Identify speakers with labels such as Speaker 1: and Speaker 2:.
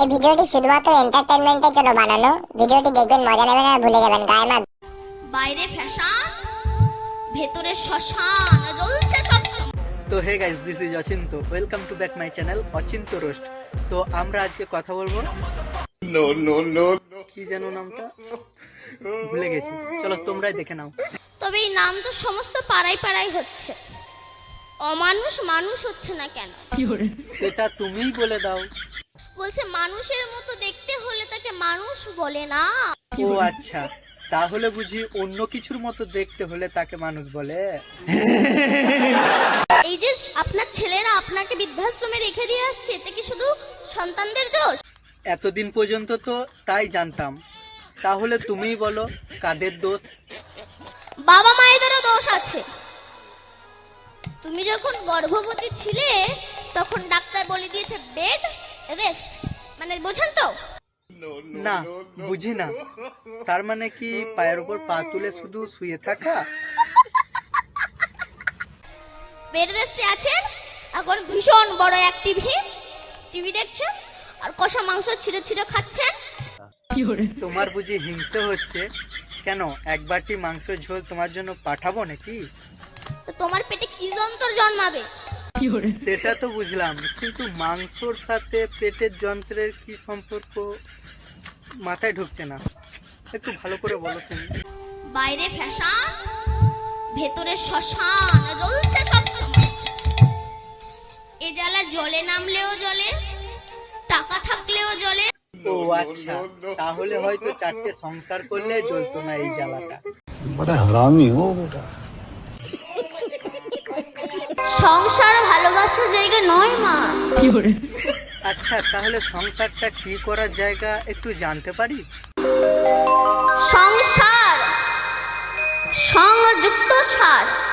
Speaker 1: এই ভিডিওটি শুধুমাত্র এন্টারটেইনমেন্টের জন্য বানানো। ভিডিওটি দেখবেন, মজা নেবেন আর ভুলে যাবেন গায়ে মা।
Speaker 2: বাইরে ফ্যাশন, ভেতরে শ্মশান, জ্বলছে সব সময়।
Speaker 3: তো hey guys, this is Achinta. Welcome to back my channel Achinta roast. তো আমরা আজকে কথা বলবো কি যেন নামটা ভুলে গেছি, চলো তোমরাই দেখে নাও।
Speaker 2: তবে এই নাম তো সমস্ত পাড়ায় পাড়ায় হচ্ছে, অমানুষ মানুষ হচ্ছে না কেন?
Speaker 3: সেটা তুমিই বলে দাও।
Speaker 2: বলছে মানুষের মতো দেখতে হলে তাকে মানুষ বলে না।
Speaker 3: ও আচ্ছা, তাহলে বুঝি অন্য কিছুর মতো দেখতে হলে তাকে মানুষ বলে।
Speaker 2: এই যে আপনার ছেলেরা আপনাকে বৃদ্ধাশ্রমে রেখে দিয়ে আসছে, এতে কি শুধু সন্তানদের দোষ?
Speaker 3: এতদিন পর্যন্ত তো তাই জানতাম, তাহলে তুমিই বলো কাদের দোষ?
Speaker 2: বাবা মায়েদেরও দোষ আছে। তুমি যখন গর্ভবতী ছিলে তখন ডাক্তার বলে দিয়েছে বেড রেস্ট, মানে বোঝেন তো?
Speaker 3: না, বুঝি না। তার মানে কি পায়ের উপর পা তুলে শুধু শুয়ে থাকা?
Speaker 2: বেড রেস্টে আছেন, এখন ভীষণ বড় এক টিভি দেখছেন আর কষা মাংস ছিঁড়ে ছিঁড়ে খাচ্ছেন।
Speaker 3: তোমার বুঝি হিংসে হচ্ছে? কেন, এক বাটি মাংসের ঝোল তোমার জন্য পাঠাবো নাকি?
Speaker 2: তো তোমার পেটে কি যন্ত্র জন্মাবে?
Speaker 3: সেটা তো বুঝলাম, কিন্তু মাংসর সাথে পেটের যন্ত্রের কি সম্পর্ক মাথায় ঢুকছে না। একটু ভালো করে বলো তুমি।
Speaker 2: বাইরে ফ্যাশন, ভেতরে শ্মশান, জ্বলছে সব সময়। এ জ্বালা জলে নামলেও জলে, টাকা থাকলেও জলে।
Speaker 3: ও আচ্ছা, তাহলে হয়তো 4টে সংসার করলে জ্বলতো না এই জ্বালাটা।
Speaker 4: बड़ा हरामी हो बेटा।
Speaker 2: সংসার ভালোবাসার জায়গা নয় মা।
Speaker 3: আচ্ছা, তাহলে সংসারটা কি করার জায়গা একটু জানতে পারি?
Speaker 2: সংসার সংযুক্ত সার।